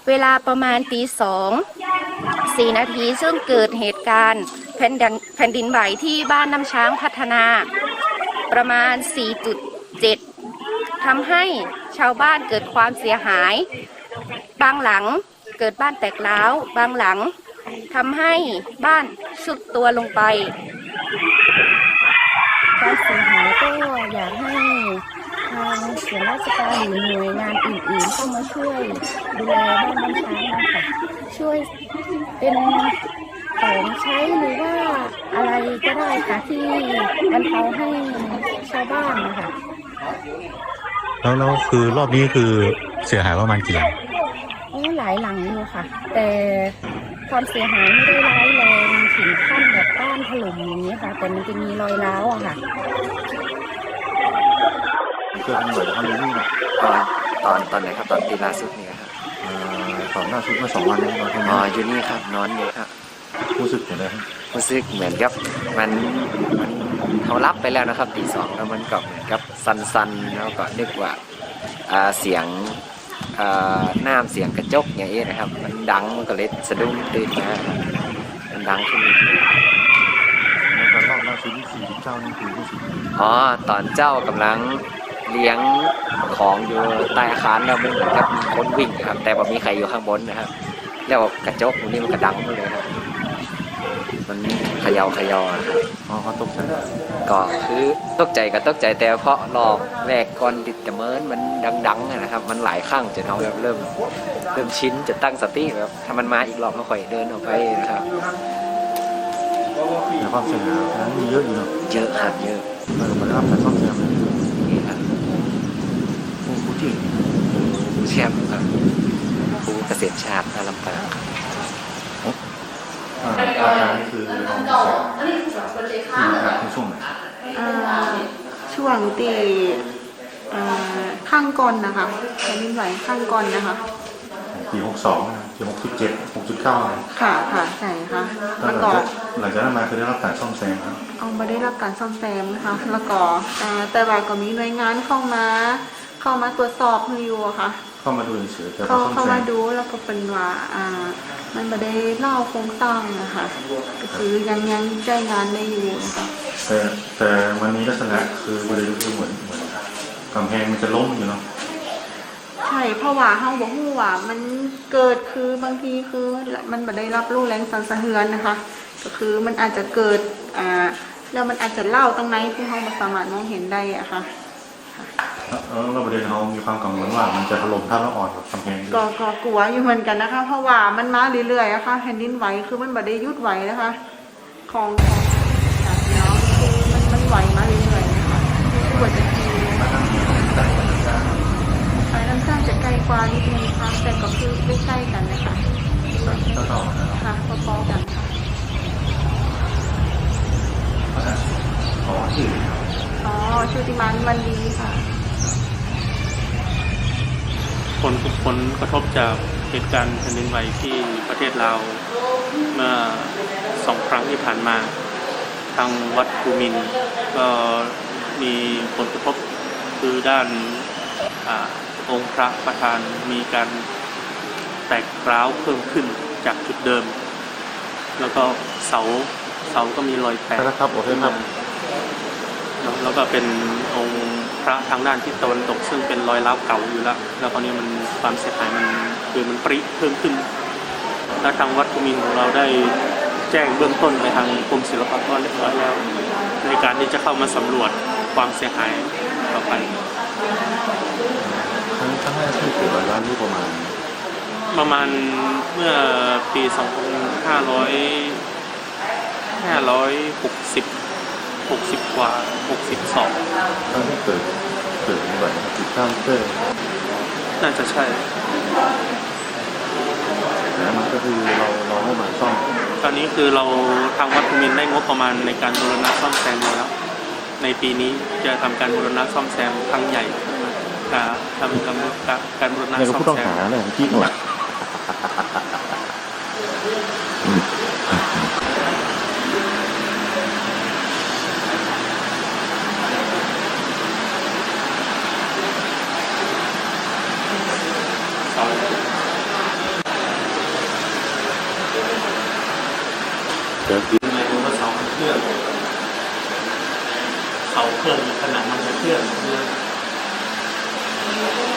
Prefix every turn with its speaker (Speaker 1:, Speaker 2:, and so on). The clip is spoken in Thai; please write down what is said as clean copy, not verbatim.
Speaker 1: เวลาประมาณตี 2:04 นาทีซึ่งเกิดเหตุการณ์แผ่นดินไหวที่บ้านน้ำช้างพัฒนาประมาณ 4.7 ทำให้ชาวบ้านเกิดความเสียหายบางหลังเกิดบ้านแตกร้าวบางหลังทำให้บ้านทรุดตัวลงไปการเสียหายก็อยากให้ทางส่วนราชการหรือหน่วยงานอื่นๆเข้ามาช่วยดูแลบ้านน้ำช้างนะคะช่วยเป็นของใช้หรือว่าอะไรก็ได้ค่ะที่บรรเทาให้ชาวบ้านนะคะ
Speaker 2: แล้วคือรอบนี้คือเสียหายประมาณกี่หลัง
Speaker 1: หลายหลังอยู่ค่ะแต่ความเสียหายไม่ได้ร้ายแรงถึงขั้นแบบบ้านถล่มอย่างนี้ค่ะแต่มันจะมีรอยร้าวอะค่ะ
Speaker 3: เกิดเป็นบ่อยครั้งนี้นะ
Speaker 4: ตอนไหนครับตอนปีล่าสุดนี่ครับ
Speaker 3: ตอนล่าสุดเมื่อ2 วันนี้
Speaker 4: เราอยู่นี่ครับนอนอยู่ครับ
Speaker 3: รู้สึกอย่างไรครับ
Speaker 4: รู้สึกเหมือนกับมันเขารับไปแล้วนะครับตี 2แล้วมันก็เหมือนกับสันๆแล้วก็นึกว่าเสียงน้ำเสียงกระจกอย่างนี้นะครับมันดังมันก็เลยสะดุ้งตื่นมามันดังขึ้นนิดนึง
Speaker 3: แล้วก็รอบล่าสุดที่49นี่คือรู้สึก
Speaker 4: ตอนเจ้ากำลังเลี้ยงของอยู่ใต้อาคารแล้วมันเหมือนกับมีคนวิ่งครับแต่ว่ามีใครอยู่ข้างบนนะครับแล้วกระจกตรงนี้มันก็ดังเลยครับมันเขย่าครับ
Speaker 3: เขาตกใจ
Speaker 4: ก็คือตกใจก็ตกใจแต่เพราะรอบแรกก่อนติดแต่เมินมันดังๆนะครับมันหลายครั้งจนเราเริ่มชินจะตั้งสติแบบถ้ามันมาอีกรอบก็ค่อยเดินออกไปนะครับ
Speaker 3: แต่ความเสียหายนั้นมีเยอะอยู่เนาะ
Speaker 4: เยอะครับเยอะ
Speaker 3: มันรับการซ่อมแซม
Speaker 4: นี่ครับ
Speaker 3: ผู้ที่
Speaker 4: ผู้แชมป์ครับผู้เกษตรชาติลำปาง
Speaker 3: อาการคือในช่วงไหน
Speaker 5: ช่วงตีข้างก่อนนะคะแผ่นดินไหวข้างก่อนนะคะ
Speaker 3: ปี62ปี67 6.9
Speaker 5: ค่ะใช่ค่ะแล้วก็
Speaker 3: หลังจากนั้นมาคือได้รับการซ่อมแซมครับ
Speaker 5: ไม่ได้รับการซ่อมแซมนะคะแล้วก็แต่ว่าก็มีหน่วยงานเข้ามาตรวจสอบอยู่ค่ะ
Speaker 3: เข้ามาดูเฉยๆแต่
Speaker 5: เข้ามาดูแล้วก็เป็นว่ามันไม่ได้เล่าโครงสร้างนะคะก็คือยังใช้งานได้อยู่นะคะ
Speaker 3: แต่มันมีลักษณะคือประเด็นคือเหมือนกำแพงมันจะล้มอยู่เนาะ
Speaker 5: ใช่เพราะว่าเฮาบอกว่ามันเกิดคือบางทีคือมันไม่ได้รับรู้แรงสั่นสะเทือนนะคะก็คือมันอาจจะเกิดแล้วมันอาจจะเล่าตรงไหนที่เฮาไม่สามารถมองเห็นได้อะค่ะ
Speaker 3: เราประเด็นเรามีความกังวลว่ามันจะถล่มถ้าเราอ่อนกับกำแพง
Speaker 5: ก็กลัวอยู่เหมือนกันนะคะเพราะว่ามันมาเรื่อยๆนะคะแผ่นดินไหวคือมันไม่ได้หยุดไหวนะคะของน้องคือมันไหวมาเรื่อยๆนะคะกว่าจะทีสายน้ำซ่าจะไกลกว่านิดนึงค่ะแต่ก็คือใกล้ๆกันนะคะค่ะพอๆกันค่ะชุติมานวันดีค่ะ
Speaker 6: ทุกคนกระทบจากเหตุการณ์แผ่นดินไหวที่ประเทศลาวเมื่อ2 ครั้งที่ผ่านมาทางวัดภูมินทร์ก็มีผลกระทบคือด้านองค์พระประธานมีการแตกร้าวเพิ่มขึ้นจากจุดเดิมแล้วก็เสาก็มีรอยแตก
Speaker 3: ครับโอเคครับ
Speaker 6: แล้วก็เป็นองค์พระทางด้านทิศตะวันตกซึ่งเป็นรอยร้าวเก่าอยู่แล้วคราวนี้มันความเสียหายมันปริเพิ่มขึ้นและทางวัดภูมินทร์ของเราได้แจ้งเบื้องต้นไปทางกรมศิลปากรเรียบร้อยแล้วในการที่จะเข้ามาสำรวจความเสียหายต่อไป
Speaker 3: ทั้งแรกที่เกิดร้านนี้ประมาณ
Speaker 6: เมื่อปี2562กว่า62
Speaker 3: ตอนที่เกิดแบบติดตั้งเตอร์
Speaker 6: น่าจะใช่
Speaker 3: แล้วมันก็คือเราให้มาซ่อม
Speaker 6: ตอนนี้คือเราทางวัดภูมินทร์ได้งบประมาณในการบูรณะซ่อมแซมแล้วในปีนี้จะทำการบูรณะซ่อมแซมครั้งใหญ่ทำการบูรณะซ่อมแซม
Speaker 3: ผู้ต้องหาเนี่ยที่หลักเกิดขึ้น
Speaker 6: ไม่รู้ว่าเสาเคลื่อนเสาเคลื่อนขนาดมันจะเคลื่อน